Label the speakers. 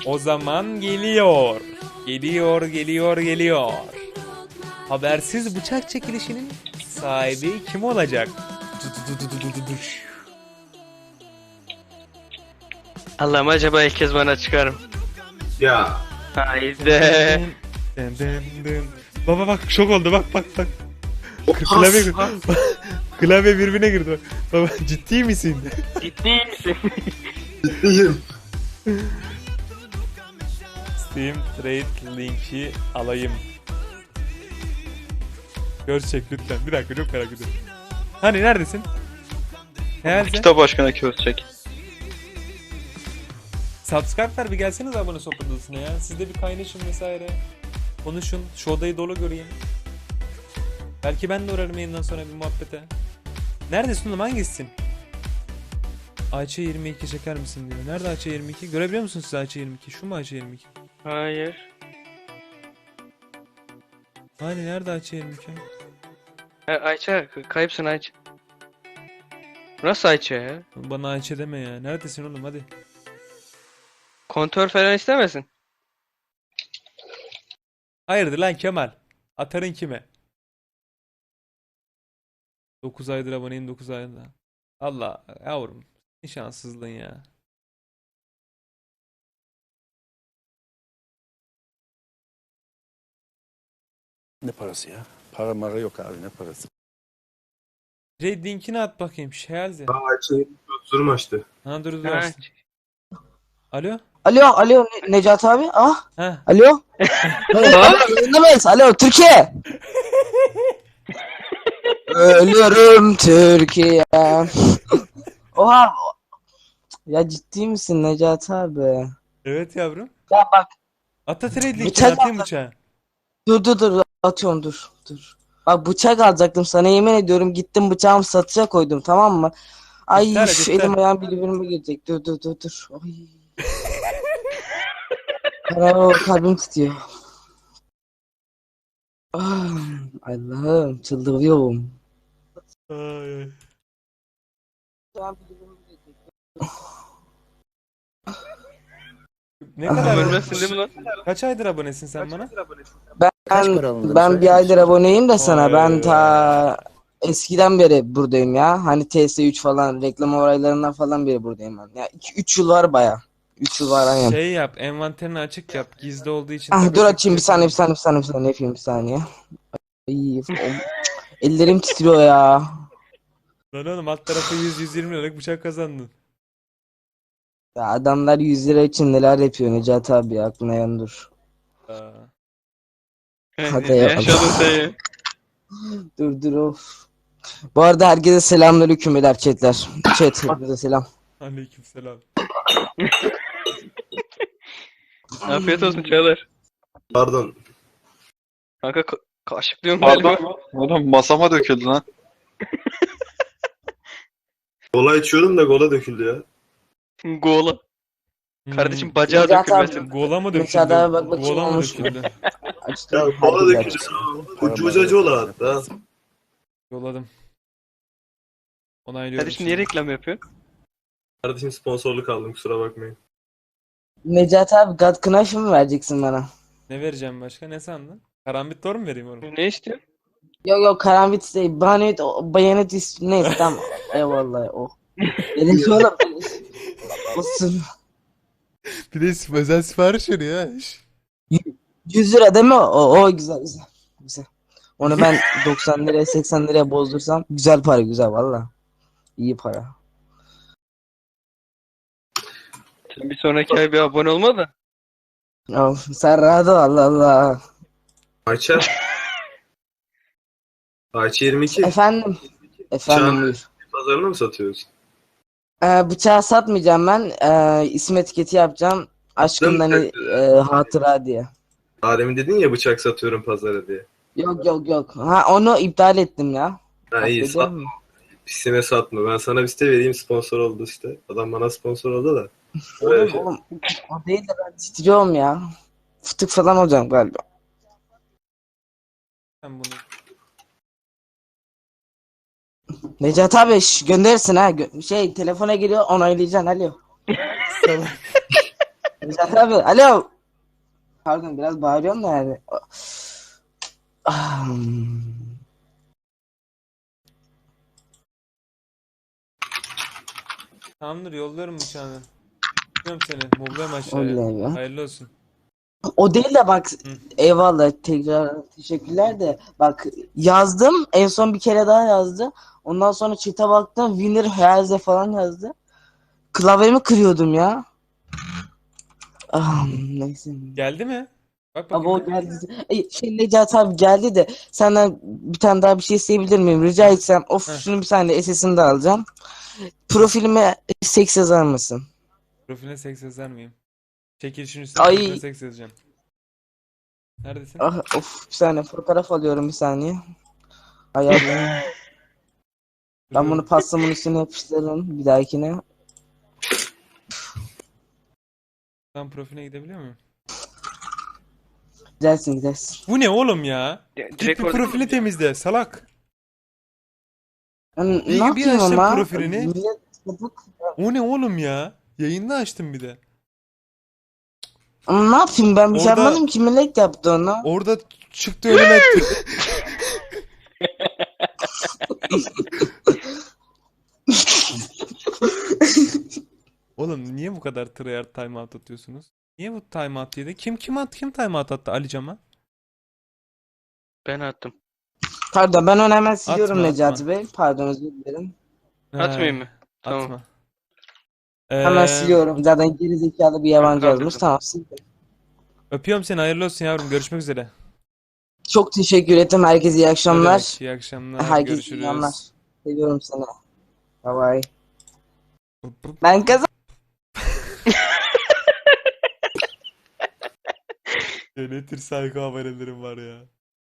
Speaker 1: O zaman geliyor. Geliyor. Habersiz bıçak çekilişinin sahibi kim olacak?
Speaker 2: Allah'ım acaba ilk kez bana çıkarım.
Speaker 3: Ya.
Speaker 2: Haydi.
Speaker 1: Baba bak şok oldu bak. Klavye, klavye birbirine girdi. Baba ciddi misin?
Speaker 2: Ciddi misin?
Speaker 3: Ciddiyim.
Speaker 1: Steam Trade linki alayım. Görsek lütfen. Bir dakika çok merak ediyorum. Hani neredesin? Herhalde.
Speaker 4: Kitap aşkına köstek.
Speaker 1: Subscribe'lar bir gelseniz abone sohbet odasına ya. Siz de bir kaynaşın vesaire. Konuşun. Şu odayı dolu göreyim. Belki ben de uğrarım yayından sonra bir muhabbete. Neredesin oğlum, hangisisin? Ayça 22 çeker misin diyor. Nerede Ayça 22? Görebiliyor musunuz siz Ayça 22? Şu mu Ayça 22?
Speaker 2: Hayır.
Speaker 1: Hani nerede Ayça 22?
Speaker 2: Ayça kayıpsın Ayça. Nasıl Ayça ya?
Speaker 1: Bana Ayça deme ya. Neredesin oğlum hadi.
Speaker 2: Kontör falan istemesin.
Speaker 1: Hayırdır lan Kemal? Atarın kime? 9 aydır aboneyim 9 ayda. Allah yavrum. Ne şanssızlığın ya.
Speaker 5: Ne parası ya? Para mara yok abi, ne parası?
Speaker 1: Red linkini at bakayım. Şelze.
Speaker 3: Ayça'yı durum açtı.
Speaker 1: Ha dur
Speaker 2: Ha,
Speaker 1: açtım. Alo?
Speaker 6: Alo Necati abi. Ah,
Speaker 1: Ha.
Speaker 6: alo. Yayında mıyız? Alo Türkiye. Ölüyorum Türkiye. Oha. Ya ciddi misin Necati abi?
Speaker 1: Evet yavrum.
Speaker 6: Ya bak
Speaker 1: Ata trade linkini
Speaker 6: Bıçak
Speaker 1: atayım
Speaker 6: atla-
Speaker 1: bıçağı.
Speaker 6: dur atıyorum dur. Bak bıçak alacaktım sana yemin ediyorum gittim bıçağımı satışa koydum tamam mı? Ay
Speaker 1: İptal et,
Speaker 6: şu
Speaker 1: iptal.
Speaker 6: elim ayağım birbirine girecek. Dur. Ay. Aa, kalbim tutuyor. Ah, Allah'ım çıldırıyorum.
Speaker 1: Ay, ay. Ne kadar
Speaker 2: Ölmezsin değil mi lan?
Speaker 1: Kaç aydır abonesin sen bana?
Speaker 5: Kaç para alındığını
Speaker 6: Ben
Speaker 5: söyler
Speaker 6: bir aydır
Speaker 5: misin?
Speaker 6: aboneyim de sana.
Speaker 1: Vay
Speaker 6: Ben
Speaker 1: be.
Speaker 6: ta eskiden beri buradayım ya. Hani TS3 falan reklam olaylarından falan beri buradayım ben. Ya 2-3 yıl var baya. 3 yıl var aynen.
Speaker 1: Şey yap, envanterini açık yap. Gizli olduğu için
Speaker 6: Ah,
Speaker 1: tabii
Speaker 6: dur
Speaker 1: açık
Speaker 6: açayım bir
Speaker 1: yapayım.
Speaker 6: saniye yapayım bir saniye. Ay, ellerim titriyor ya.
Speaker 1: Lan oğlum alt tarafı 100-120 liralık bıçak kazandın.
Speaker 6: Ya adamlar 100 lira için neler yapıyor Necati abi ya, aklına yan dur.
Speaker 1: Aa.
Speaker 6: Hadi
Speaker 2: Ne
Speaker 6: ya.
Speaker 2: yaşadın sen ya?
Speaker 6: Dur of. Bu arada herkese selamünaleyküm beyler chatler. Chat hepinize selam.
Speaker 1: Aleykümselam.
Speaker 2: Afiyet olsun Çağlar.
Speaker 3: Pardon.
Speaker 2: Kanka kaşıklıyorum
Speaker 4: Pardon.
Speaker 2: galiba.
Speaker 4: Oğlum masama döküldü lan.
Speaker 3: Kola içiyordum da kola döküldü ya.
Speaker 2: Gola. Kardeşim bacağı
Speaker 6: Necati abi.
Speaker 2: dökülmesin.
Speaker 1: Gola mı döküldü?
Speaker 6: Mesela daha bak bakayım
Speaker 1: Gola mı
Speaker 6: olmuş mu?
Speaker 1: döküldü?
Speaker 6: Açtım.
Speaker 3: Ya kola
Speaker 6: herkese
Speaker 3: döküldü.
Speaker 6: açtım.
Speaker 3: Ucu ucacı ola hatta.
Speaker 1: Yolladım. Onaylıyorum
Speaker 2: Kardeşim niye
Speaker 1: şimdi.
Speaker 2: reklam yapıyorsun?
Speaker 3: Kardeşim sponsorluk aldım kusura bakmayın.
Speaker 6: Necati abi God Knife mı vereceksin bana?
Speaker 1: Ne vereceğim başka? Ne sandın? Karambit Thor mu vereyim oğlum?
Speaker 2: Ne istiyorsun?
Speaker 6: Yok karambit değil. Bayonet neyse tamam. Eyvallah oh. Dedim oğlum. Olsun.
Speaker 1: Bir de özel sipariş veriyor ha.
Speaker 6: 100 lira değil mi? O güzel. Onu ben 90 liraya 80 liraya bozdursam güzel para güzel valla. İyi para.
Speaker 2: Sen bir sonraki ay bir abone olma da.
Speaker 6: Of, sen rahat ol Allah Allah.
Speaker 3: Ayça. Ayça 22.
Speaker 6: Efendim
Speaker 3: Can-
Speaker 6: buyur.
Speaker 3: Pazarına mı satıyoruz?
Speaker 6: Bıçağı satmayacağım ben. İsim etiketi yapacağım. Aşkımdan hatıra diye.
Speaker 3: Adem'in dedin ya bıçak satıyorum pazara diye.
Speaker 6: Yok. Ha onu iptal ettim ya.
Speaker 3: Ha iyi
Speaker 6: Affediyor
Speaker 3: satma.
Speaker 6: musun?
Speaker 3: Pisine satma. Ben sana bir site vereyim sponsor oldu işte. Adam bana sponsor oldu da. Böyle bir şey.
Speaker 6: Oğlum o değil de ben titriyorum ya. Fıtık falan olacağım galiba.
Speaker 1: Sen bunu
Speaker 6: Necati abi gönderirsin ha. Telefona geliyor onaylayacaksın alo.
Speaker 1: salak.
Speaker 6: Necat abi alo. Pardon biraz bağırıyorum da yani. Ah,
Speaker 1: Tamamdır, yolluyorum bıçağını. Tutuyorum seni. Mobluyorum aşağıya.
Speaker 6: Oley be.
Speaker 1: Hayırlı olsun.
Speaker 6: O değil de bak
Speaker 1: Hı.
Speaker 6: eyvallah tekrar teşekkürler de bak yazdım en son bir kere daha yazdı. Ondan sonra çete baktım Winner Herze falan yazdı. Klavyemi kırıyordum ya. Ah, neyse.
Speaker 1: Geldi mi? Bak
Speaker 6: Abi
Speaker 1: bakayım.
Speaker 6: o geldi. Necati abi geldi de senden bir tane daha bir şey isteyebilir miyim? Rica etsem. Of
Speaker 1: Heh.
Speaker 6: şunu bir saniye SS'ini de alacağım. Profilime seks yazar mısın?
Speaker 1: Profiline seks yazar mıyım? Çekilişin üstüne
Speaker 6: Ay.
Speaker 1: profiline seks yazacağım. Neredesin?
Speaker 6: Ah, of bir saniye fotoğraf alıyorum bir saniye. Ayarlayayım. Ben bunu
Speaker 1: Duruyorum.
Speaker 6: pastamın üstüne yapıştırırım bir dahakine.
Speaker 1: Tam profiline gidebiliyor muyum?
Speaker 6: Gidersin gidersin.
Speaker 1: Bu ne oğlum ya? Git
Speaker 2: Direkt
Speaker 1: bir
Speaker 2: orada
Speaker 1: profili temizle salak.
Speaker 6: Ben
Speaker 1: Bir-
Speaker 6: ne
Speaker 1: bir
Speaker 6: yapayım
Speaker 1: açtım
Speaker 6: ama?
Speaker 1: profilini.
Speaker 6: Millet sapık.
Speaker 1: O ne oğlum ya? Yayında açtım bir de.
Speaker 6: Ama ne yapayım ben bir şey
Speaker 1: Orada-
Speaker 6: yapmadım ki millet yaptı onu.
Speaker 1: Orada çıktı önüme. Oğlum niye bu kadar tryhard timeout atıyorsunuz? Niye bu timeout yedi? Kim timeout attı Alican'a?
Speaker 2: ben attım.
Speaker 6: Pardon ben onu hemen siliyorum
Speaker 1: Atma,
Speaker 6: Necati
Speaker 1: atma.
Speaker 6: Bey. Pardon özür dilerim.
Speaker 2: Atmayayım mı? Tamam.
Speaker 1: Atma.
Speaker 6: Hemen siliyorum. Zaten geri zekalı bir yabancı
Speaker 2: kaldırdım.
Speaker 6: yazmış. Tamam sildim.
Speaker 1: Öpüyorum seni, hayırlı olsun yavrum. Görüşmek üzere.
Speaker 6: Çok teşekkür ederim. Herkese iyi
Speaker 1: Ne
Speaker 6: akşamlar.
Speaker 1: demek, iyi akşamlar.
Speaker 6: Herkese iyi
Speaker 1: Görüşürüz.
Speaker 6: akşamlar. Seviyorum seni. Bye bye. Ben kazandım.
Speaker 1: Ya ne tür saygı haberlerim var ya.